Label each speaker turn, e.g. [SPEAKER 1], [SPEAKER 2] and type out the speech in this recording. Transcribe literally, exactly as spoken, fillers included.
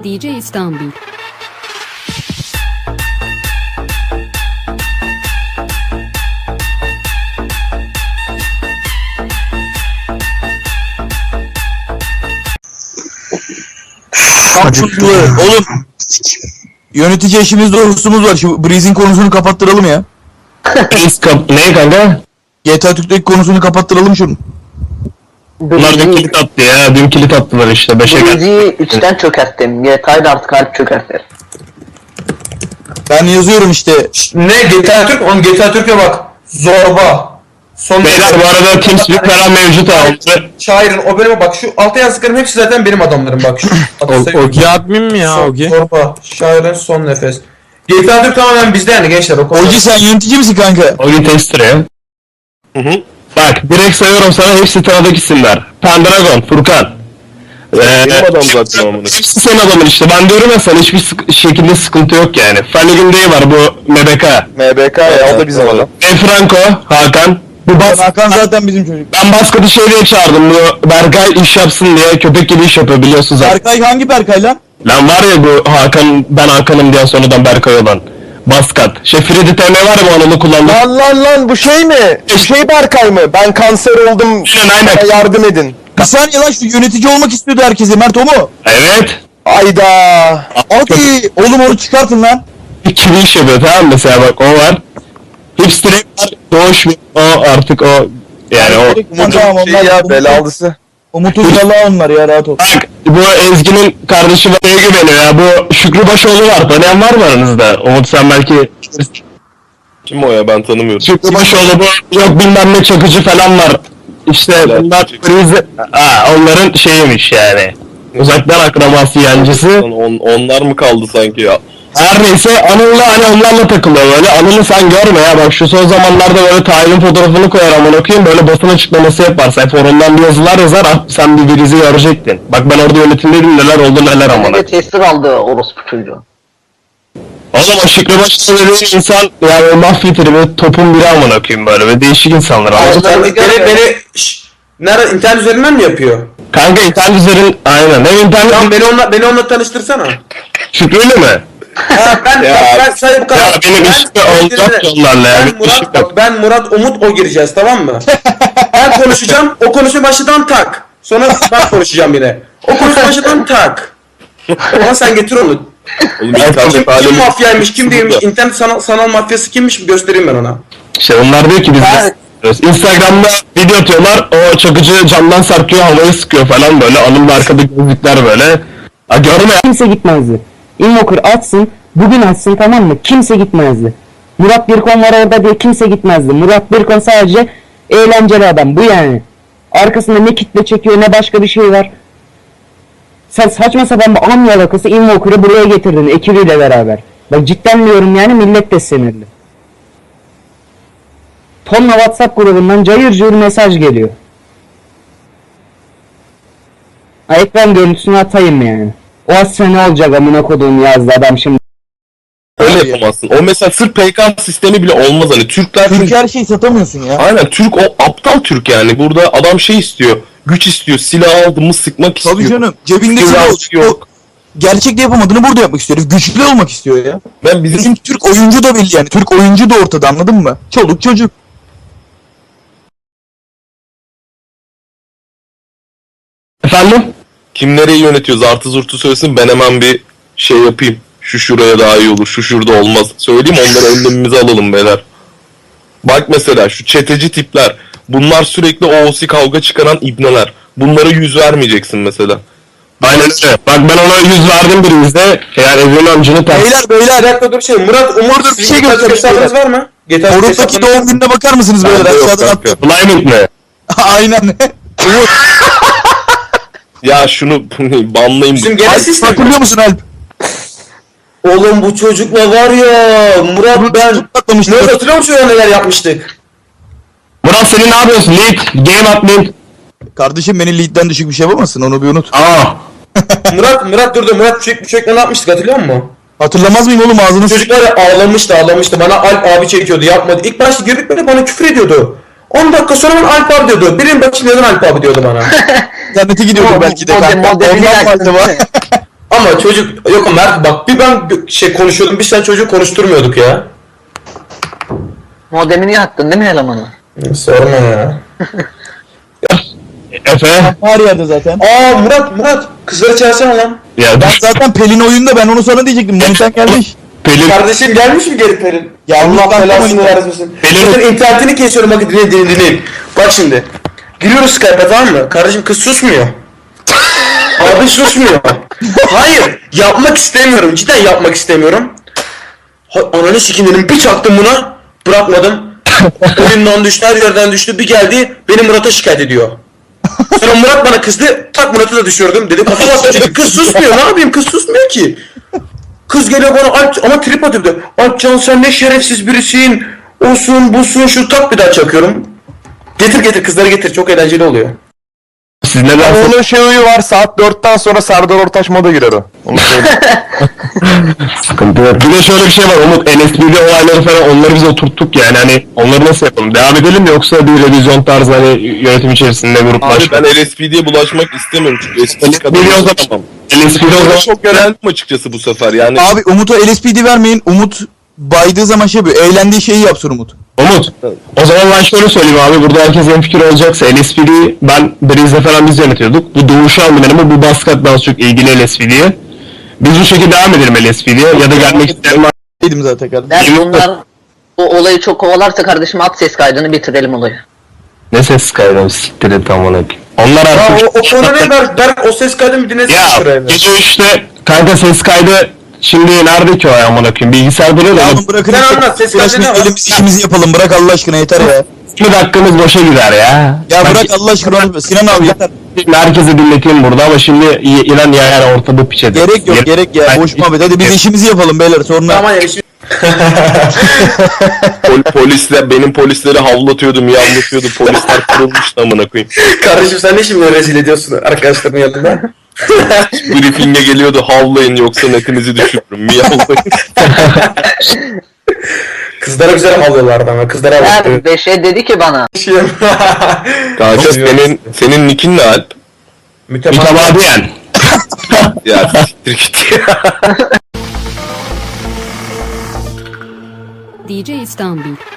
[SPEAKER 1] D J İstanbul.
[SPEAKER 2] Acıktı. Oğlum yönetici eşimizde hırsımız var. Şu Breeze'in konusunu kapattıralım ya.
[SPEAKER 3] Breeze kap... Ne kanka?
[SPEAKER 2] G T A Türk'teki konusunu kapattıralım şunu.
[SPEAKER 3] Bunlar dün kilit attı ya. Dün kilit attılar işte. Beşe geldi.
[SPEAKER 4] Breeze'i üçten çökerttim. G T A'yı da artık harp çökertir.
[SPEAKER 2] Ben yazıyorum işte.
[SPEAKER 5] Ne G T A Türk? Oğlum G T A Türk'e bak. Zorba. Son
[SPEAKER 3] Beyler bu arada TeamSpeak falan mevcut abi.
[SPEAKER 5] Şairin o bölüme bak. Şu altta yazdıklarım hepsi zaten benim adamlarım bak. Şu
[SPEAKER 6] Ogi admin mi ya
[SPEAKER 5] Son-
[SPEAKER 6] Ogi?
[SPEAKER 5] Zorba. Şairin son nefes. G T A Türk tamamen bizde yani gençler. O konuda.
[SPEAKER 2] Oji sen yönetici misin kanka?
[SPEAKER 3] Ogi tester ya. Hı hı. Bak direkt sayıyorum sana, hepsi tanıdık isimler. Pendragon, Furkan. Ee,
[SPEAKER 7] Benim adam zaten amına.
[SPEAKER 3] Hepsi senin adamın işte. Ben diyorum ya sana, hiçbir sık- şekilde sıkıntı yok yani. Funny Day var bu M B K.
[SPEAKER 7] M B K ya, o da bizim adam.
[SPEAKER 3] E Franco, Hakan. Bu bas
[SPEAKER 2] Hakan zaten bizim çocuk.
[SPEAKER 3] ben Basket'i şey diye çağırdım, bu Berkay iş yapsın diye, köpek gibi iş yapıyor biliyorsun zaten.
[SPEAKER 2] Berkay hangi Berkay lan?
[SPEAKER 3] Lan var ya bu Hakan, ben Hakan'ım diyen sonradan Berkay olan. Baskat. Şey Freddy T M var ya, bu onu kullandı.
[SPEAKER 7] Lan lan lan, bu şey mi? Bu şey Berkay mı? Ben kanser oldum,
[SPEAKER 3] Aynen, aynen.
[SPEAKER 7] bana yardım edin.
[SPEAKER 2] Bir saniye lan, şu yönetici olmak istiyordu herkese. Mert o mu?
[SPEAKER 3] Evet.
[SPEAKER 7] Ayda.
[SPEAKER 2] Hadi oğlum onu çıkartın lan.
[SPEAKER 3] Kimi iş yapıyor tamam mı? Mesela bak o var. Hipster var. Doğuş o artık o. Yani o.
[SPEAKER 2] Tamam,
[SPEAKER 7] Şey
[SPEAKER 2] onlar
[SPEAKER 7] ya,
[SPEAKER 2] Umut'un-
[SPEAKER 7] belalısı.
[SPEAKER 2] Umut'un Allah'a onlar ya, rahat ol.
[SPEAKER 3] Bak bu Ezgi'nin kardeşi var, neye güveniyor ya? Bu Şükrü Başoğlu var. Tanıyan var mı aranızda? Umut sen belki...
[SPEAKER 7] Kim o ya, ben tanımıyorum.
[SPEAKER 3] Şükrü Başoğlu bu. Yok bilmem ne Çakıcı falan var. İşte bunlar krizi... Aa, onların şeyiymiş yani. Uzaktan akrabası yancısı.
[SPEAKER 7] On, onlar mı kaldı sanki ya?
[SPEAKER 3] Her neyse Anıl'la hani onlarla takılıyor böyle. Anıl'ı sen görme ya, bak şu son zamanlarda böyle Tahir'in fotoğrafını koyar amına koyayım, böyle basın açıklaması yapar. Sen forumdan bir yazılar yazar, ah, sen bir birizi görecektin. Bak ben orada yönetimdeydim, neler oldu neler amına.
[SPEAKER 4] Bir de tester aldı orospu çocuğu.
[SPEAKER 3] Oğlum o Şükrü Başoğlu dediğin insan yani o mafya tribi topun biri amına koyayım, böyle ve değişik insanlar anladın mı?
[SPEAKER 5] Sen beni, beni şşş, nerede internet üzerinden mi yapıyor?
[SPEAKER 3] Kanka internet üzerin aynen. Hem internet
[SPEAKER 5] Tamam beni onunla beni onunla tanıştırsana.
[SPEAKER 3] Şükrü'yle mi?
[SPEAKER 5] Ha, ben
[SPEAKER 3] Ya,
[SPEAKER 5] bak, ben sadece bu kadar.
[SPEAKER 3] ya benim
[SPEAKER 5] Ben-
[SPEAKER 3] işte olacak ki onlarla ya,
[SPEAKER 5] Ben
[SPEAKER 3] bir şey
[SPEAKER 5] Murat,
[SPEAKER 3] yok.
[SPEAKER 5] bak, ben Murat Umut o gireceğiz tamam mı? Ben konuşacağım, o konuşma başladan tak. Sonra ben konuşacağım yine. O konuşma başladan tak. Ama sen getir onu.
[SPEAKER 7] Oğlum
[SPEAKER 5] Kim,
[SPEAKER 7] internet
[SPEAKER 5] kim
[SPEAKER 7] alemi...
[SPEAKER 5] mafyaymış, kim değilmiş, internet sanal, sanal mafyası kimmiş göstereyim ben ona.
[SPEAKER 3] İşte onlar diyor ki biz
[SPEAKER 4] Evet.
[SPEAKER 3] Instagram'da video atıyorlar, o Çakıcı camdan sarkıyor, havayı sıkıyor falan böyle, Anıl'la arkada gözlükler böyle. Ha görme ya.
[SPEAKER 8] Kimse gitmezdi. Invoker atsın, bugün atsın tamam mı? Kimse gitmezdi. Murat Birkon var orada diye kimse gitmezdi. Murat Birkon sadece eğlenceli adam, bu yani. Arkasında ne kitle çekiyor ne başka bir şey var. Sen saçma sapan bir an yalakası Invoker'ı buraya getirdin ekibiyle beraber. Bak cidden diyorum yani, millet de sinirli. Tonla WhatsApp grubundan cayır cayır mesaj geliyor. Ha, ekran görüntüsünü atayım yani. O asya ne olacak amına koduğum yazdı adam şimdi.
[SPEAKER 7] Öyle yapamazsın. O mesela sırf P K sistemi bile olmaz hani. Türkler
[SPEAKER 2] Türk
[SPEAKER 7] çünkü...
[SPEAKER 2] her şeyi satamıyorsun ya.
[SPEAKER 7] Aynen, Türk o aptal Türk yani. Burada adam şey istiyor. Güç istiyor. Silah aldı mı sıkmak istiyor.
[SPEAKER 2] Tabii canım. Cebinde
[SPEAKER 7] Silah
[SPEAKER 2] silah
[SPEAKER 7] yok.
[SPEAKER 2] yok. Gerçekte yapamadığını burada yapmak istiyor. Herif güçlü olmak istiyor ya.
[SPEAKER 7] Ben bizim...
[SPEAKER 2] Bizim Türk oyuncu da belli yani. Türk oyuncu da ortada, anladın mı? Çoluk çocuk.
[SPEAKER 3] Efendim?
[SPEAKER 7] Kim nereyi yönetiyor? Zartı zurtu söylesin, ben hemen bir şey yapayım. Şu şuraya daha iyi olur, şu şurada olmaz. Söyleyeyim, onları önlemimize alalım beyler. Bak mesela şu çeteci tipler. Bunlar sürekli O O C kavga çıkaran ibneler. Bunlara yüz vermeyeceksin mesela.
[SPEAKER 3] Aynen öyle. Bak ben ona yüz verdim birimizde. Eğer Evren amcını ters.
[SPEAKER 2] Beyler
[SPEAKER 5] Bir
[SPEAKER 2] beyler.
[SPEAKER 5] dakika dur şey, Murat Umut
[SPEAKER 2] Dur, bir şey
[SPEAKER 5] G T A
[SPEAKER 2] göstereyim.
[SPEAKER 5] hesabınız var mı? G T A
[SPEAKER 2] Orut'taki
[SPEAKER 5] hesabınız-
[SPEAKER 2] doğum gününe bakar mısınız beyler?
[SPEAKER 7] Bende yok
[SPEAKER 2] Aşağıdan
[SPEAKER 7] kanka.
[SPEAKER 2] attım.
[SPEAKER 3] Bliming mi?
[SPEAKER 2] Aynen.
[SPEAKER 7] Ya şunu banlayayım.
[SPEAKER 5] Bizim genel sistem.
[SPEAKER 2] Hatırlıyor musun Alp?
[SPEAKER 5] Oğlum bu çocukla var ya Murat ben
[SPEAKER 2] Patlamıştı.
[SPEAKER 5] Murat hatırlıyor musun ya neler yapmıştık?
[SPEAKER 3] Murat senin ne yapıyorsun? Lead, game admin.
[SPEAKER 2] Kardeşim beni lead'den düşük bir şey yapamazsın, onu bir unut.
[SPEAKER 3] Aa.
[SPEAKER 5] Murat Murat durdu Murat çocuk bu çocukla ne yapmıştık hatırlıyor musun?
[SPEAKER 2] Hatırlamaz mıyım oğlum, ağzını s***.
[SPEAKER 5] Çocuklar ya ağlamıştı ağlamıştı bana Alp abi çekiyordu yapmadı. İlk başta girdik böyle bana küfür ediyordu. on dakika sonra bana Alp abi diyordu. Birinin başında neden Alp abi diyordu bana.
[SPEAKER 2] İnternete gidiyordur belki de
[SPEAKER 4] Model-
[SPEAKER 2] kanka.
[SPEAKER 4] modelini
[SPEAKER 2] Ondan mı
[SPEAKER 4] açtın,
[SPEAKER 2] acaba?
[SPEAKER 4] değil mi?
[SPEAKER 5] Ama çocuk yok Mert bak bir ben bir şey konuşuyordum biz sen çocuğu konuşturmuyorduk ya.
[SPEAKER 4] Modemini yaktın değil mi elemanı?
[SPEAKER 5] Sorma ya.
[SPEAKER 3] Efe.
[SPEAKER 2] Her yerde zaten.
[SPEAKER 5] Aa Murat Murat kızları çağırsana lan.
[SPEAKER 3] Ya
[SPEAKER 2] Ben zaten Pelin oyunda ben onu sana diyecektim. Maniten gelmiş.
[SPEAKER 3] Pelin.
[SPEAKER 5] Kardeşim gelmiş mi geri Pelin?
[SPEAKER 2] Gelmiş
[SPEAKER 5] Allah
[SPEAKER 2] lan,
[SPEAKER 5] belasını
[SPEAKER 2] Pelin.
[SPEAKER 5] vermesin.
[SPEAKER 3] Pelin-
[SPEAKER 5] Pelin internetini kesiyorum bak dinleyin dinleyin dinleyin. Bak şimdi. Giriyoruz Skype'a tamam mı? Kardeşim kız susmuyor. Abi susmuyor. Hayır yapmak istemiyorum cidden yapmak istemiyorum. Ha, ananı sikim dedim bir çaktım buna bırakmadım. Elimden düştü her yerden düştü bir geldi beni Murat'a şikayet ediyor. Sonra Murat bana kızdı tak Murat'ı da düşürdüm dedi kafama attı kız susmuyor ne yapayım kız susmuyor ki. Kız geliyor bana Alp ama trip atıyor bir de. Alpcan sen ne şerefsiz birisin. Olsun busun şu tak bir daha çakıyorum. Getir getir kızları getir çok eğlenceli oluyor.
[SPEAKER 3] Siz neden
[SPEAKER 1] Onun şey huyu var, saat dörtten sonra Serdar Ortaç moda girer o. Onu söyleyeyim.
[SPEAKER 3] sıkıntı yok. Bir de şöyle bir şey var Umut, N S B D olayları falan onları biz oturttuk yani hani onları nasıl yapalım? Devam edelim mi yoksa bir revizyon tarzı hani yönetim içerisinde
[SPEAKER 7] Abi
[SPEAKER 3] gruplaşma?
[SPEAKER 7] ben L S P D'ye bulaşmak istemiyorum çünkü eskisi kadar
[SPEAKER 3] Biliyoruz ama-
[SPEAKER 7] tamam.
[SPEAKER 3] N S B D o zaman
[SPEAKER 7] Çok yöneldim açıkçası bu sefer yani.
[SPEAKER 2] Abi Umut'a L S P D vermeyin. Umut baydığı zaman şey yapıyor. Eğlendiği şeyi yapsın Umut.
[SPEAKER 3] Umut. O zaman ben şöyle söyleyeyim abi, burada herkes hemfikir olacaksa L S P D'yi ben Breeze'le falan biz yönetiyorduk. Bu Doğuş'u aldım benim ama bu Baskat daha çok ilgili L S P D'ye. Biz bu şekilde devam edelim L S P D'ye ya da gelmek isteyen var.
[SPEAKER 2] Dedim zaten kardeşim.
[SPEAKER 4] Ben bunlar bu olayı çok kovalarsa kardeşim at ses kaydını bitirelim olayı.
[SPEAKER 3] Ne ses kaydı siktir et amına. Onlar
[SPEAKER 5] Ya
[SPEAKER 3] artık...
[SPEAKER 5] o, o konu ne Berk? Berk o ses kaydını bir dinlesene
[SPEAKER 3] Ya
[SPEAKER 5] şuraya. bir.
[SPEAKER 3] gece üçte kanka ses kaydı şimdi nerede ki o ya amına koyayım, bilgisayar duruyor da
[SPEAKER 2] Ya oğlum bırakın.
[SPEAKER 5] Sen
[SPEAKER 2] işte.
[SPEAKER 5] anlat, ses
[SPEAKER 2] Uğraşmayın,
[SPEAKER 5] kaydı ne var?
[SPEAKER 2] elimiz işimizi yapalım. Bırak Allah aşkına yeter ya.
[SPEAKER 3] yirmi dakikamız boşa gider ya.
[SPEAKER 2] Ya
[SPEAKER 3] Ben
[SPEAKER 2] bırak Allah aşkına. Sinan abi yeter.
[SPEAKER 3] şimdi herkese dinleteyim burada ama şimdi İ- İran ya yani ortada piç ediyor.
[SPEAKER 2] Gerek yok gerek ya.
[SPEAKER 3] Ben-
[SPEAKER 2] Boş muhabbet. Hadi biz işimizi yapalım beyler. Sonra
[SPEAKER 5] Tamam ya şimdi.
[SPEAKER 7] Pol- polisler benim polisleri havlatıyordu, miyavlatıyordu. Polisler kırılmıştı amına koyayım.
[SPEAKER 5] Kardeşim sen ne şimdi rezil ediyorsun arkadaşların yanında?
[SPEAKER 7] Briefing'e geliyordu havlayın yoksa netinizi düşürürüm. Miyavlayın.
[SPEAKER 5] Kızlara güzel havlıyorlardı ama kızlara havlıyor.
[SPEAKER 4] Her beşe dedi ki bana.
[SPEAKER 7] Kanka senin senin nickin ne Alp?
[SPEAKER 3] Mütemadiyen.
[SPEAKER 7] Ya siktir git ya.
[SPEAKER 9] D J İstanbul.